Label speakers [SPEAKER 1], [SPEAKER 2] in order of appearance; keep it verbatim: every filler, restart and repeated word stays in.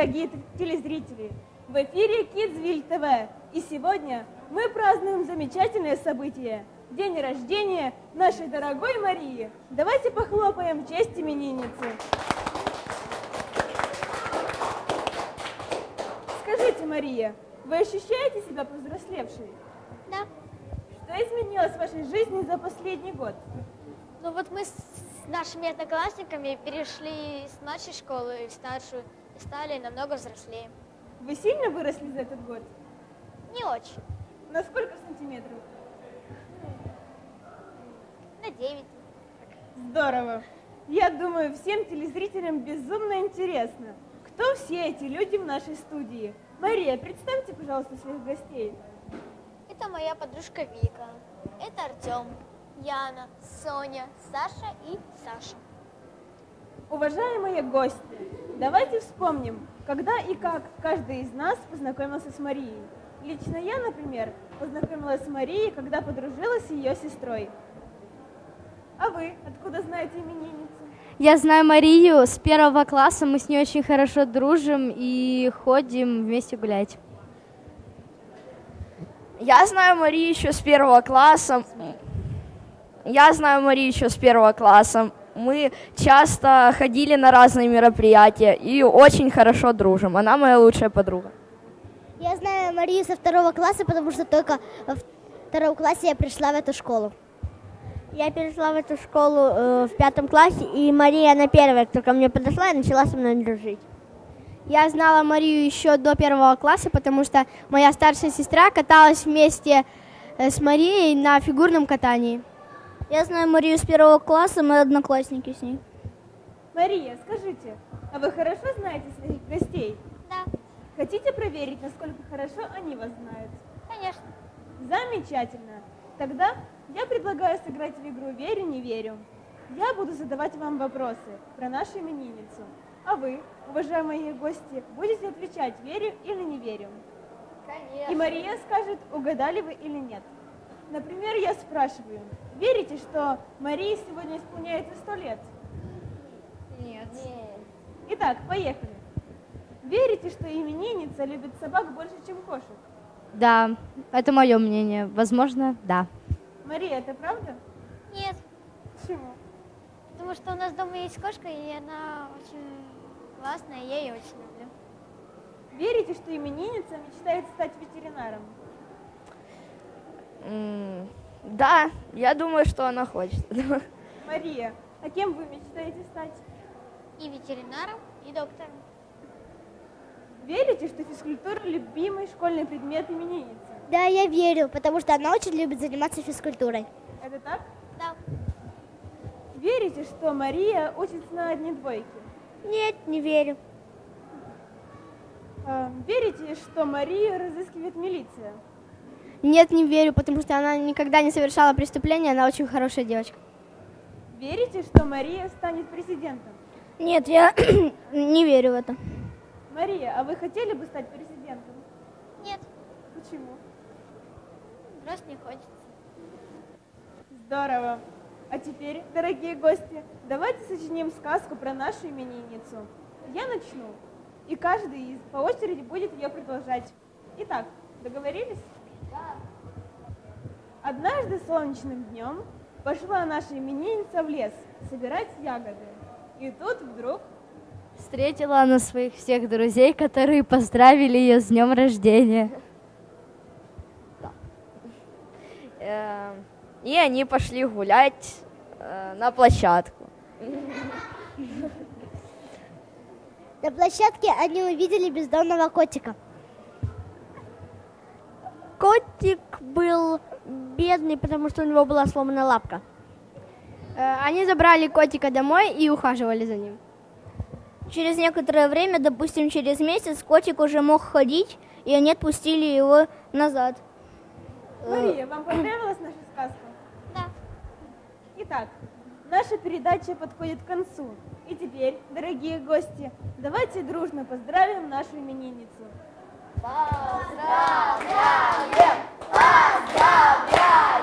[SPEAKER 1] дорогие телезрители! В эфире Kidsville ТВ, и сегодня мы празднуем замечательное событие – день рождения нашей дорогой Марии. Давайте похлопаем в честь именинницы. Скажите, Мария, вы ощущаете себя повзрослевшей?
[SPEAKER 2] Да.
[SPEAKER 1] Что изменилось в вашей жизни за последний год?
[SPEAKER 2] Ну вот мы с нашими одноклассниками перешли с младшей школы в старшую и стали намного взрослее.
[SPEAKER 1] Вы сильно выросли за этот год?
[SPEAKER 2] Не очень.
[SPEAKER 1] На сколько сантиметров?
[SPEAKER 2] На девять.
[SPEAKER 1] Здорово. Я думаю, всем телезрителям безумно интересно, кто все эти люди в нашей студии. Мария, представьте, пожалуйста, своих гостей.
[SPEAKER 2] Это моя подружка Вика. Это Артем, Яна, Соня, Саша и Саша.
[SPEAKER 1] Уважаемые гости, давайте вспомним, когда и как каждый из нас познакомился с Марией. Лично я, например, познакомилась с Марией, когда подружилась с ее сестрой. А вы откуда знаете именинницу?
[SPEAKER 3] Я знаю Марию с первого класса, мы с ней очень хорошо дружим и ходим вместе гулять.
[SPEAKER 4] Я знаю Марию еще с первого класса. Я знаю Марию еще с первого класса. Мы часто ходили на разные мероприятия и очень хорошо дружим. Она моя лучшая подруга.
[SPEAKER 5] Я знаю Марию со второго класса, потому что только во втором классе я пришла в эту школу.
[SPEAKER 6] Я перешла в эту школу э, в пятом классе, и Мария на первой, кто ко мне подошла и начала со мной дружить.
[SPEAKER 3] Я знала Марию еще до первого класса, потому что моя старшая сестра каталась вместе с Марией на фигурном катании.
[SPEAKER 6] Я знаю Марию с первого класса, мы одноклассники с ней.
[SPEAKER 1] Мария, скажите, а вы хорошо знаете своих гостей?
[SPEAKER 2] Да,
[SPEAKER 1] Хотите проверить, насколько хорошо они вас знают?
[SPEAKER 2] конечно.
[SPEAKER 1] Замечательно. Тогда я предлагаю сыграть в игру «Верю, не верю». Я буду задавать вам вопросы про нашу именинницу. А вы, уважаемые гости, будете отвечать «верю» или «не верю».
[SPEAKER 2] Конечно.
[SPEAKER 1] И Мария скажет, угадали вы или нет. Например, я спрашиваю, верите, что Марии сегодня исполняется сто лет?
[SPEAKER 2] Нет.
[SPEAKER 1] Итак, поехали. Верите, что именинница любит собак больше, чем кошек?
[SPEAKER 3] Да, это мое мнение. Возможно, да.
[SPEAKER 1] Мария, это правда?
[SPEAKER 2] Нет,
[SPEAKER 1] Почему?
[SPEAKER 2] потому что у нас дома есть кошка, и она очень классная, я ее очень люблю.
[SPEAKER 1] Верите, что именинница мечтает стать ветеринаром?
[SPEAKER 4] М, Да, я думаю, что она хочет.
[SPEAKER 1] Мария, а кем вы мечтаете стать?
[SPEAKER 2] И ветеринаром, и доктором.
[SPEAKER 1] Верите, что физкультура – любимый школьный предмет именинницы?
[SPEAKER 5] Да, я верю, потому что она очень любит заниматься физкультурой.
[SPEAKER 1] Это так?
[SPEAKER 2] Да.
[SPEAKER 1] Верите, что Мария учится на одни двойки?
[SPEAKER 6] Нет, не верю.
[SPEAKER 1] А, Верите, что Марию разыскивает милиция?
[SPEAKER 3] Нет, не верю, потому что она никогда не совершала преступления, она очень хорошая девочка.
[SPEAKER 1] Верите, что Мария станет президентом?
[SPEAKER 6] Нет, я не верю в это.
[SPEAKER 1] Мария, а вы хотели бы стать президентом?
[SPEAKER 2] Нет,
[SPEAKER 1] Почему?
[SPEAKER 2] просто не хочется.
[SPEAKER 1] Здорово. А теперь, дорогие гости, давайте сочиним сказку про нашу именинницу. Я начну, и каждый из по очереди будет ее продолжать. Итак, договорились? Да. Однажды солнечным днем пошла наша именинница в лес собирать ягоды. И тут вдруг...
[SPEAKER 3] Встретила она своих всех друзей, которые поздравили ее с днем рождения.
[SPEAKER 4] Э, И они пошли гулять э, на площадку.
[SPEAKER 5] На площадке они увидели бездомного котика.
[SPEAKER 6] Котик был бедный, потому что у него была сломана лапка.
[SPEAKER 3] Э, Они забрали котика домой и ухаживали за ним.
[SPEAKER 6] Через некоторое время, допустим, через месяц, котик уже мог ходить, и они отпустили его назад.
[SPEAKER 1] Мария, вам понравилась наша сказка?
[SPEAKER 2] Да.
[SPEAKER 1] Итак, наша передача подходит к концу. И теперь, дорогие гости, давайте дружно поздравим нашу именинницу.
[SPEAKER 4] Поздравляем! Поздравляем!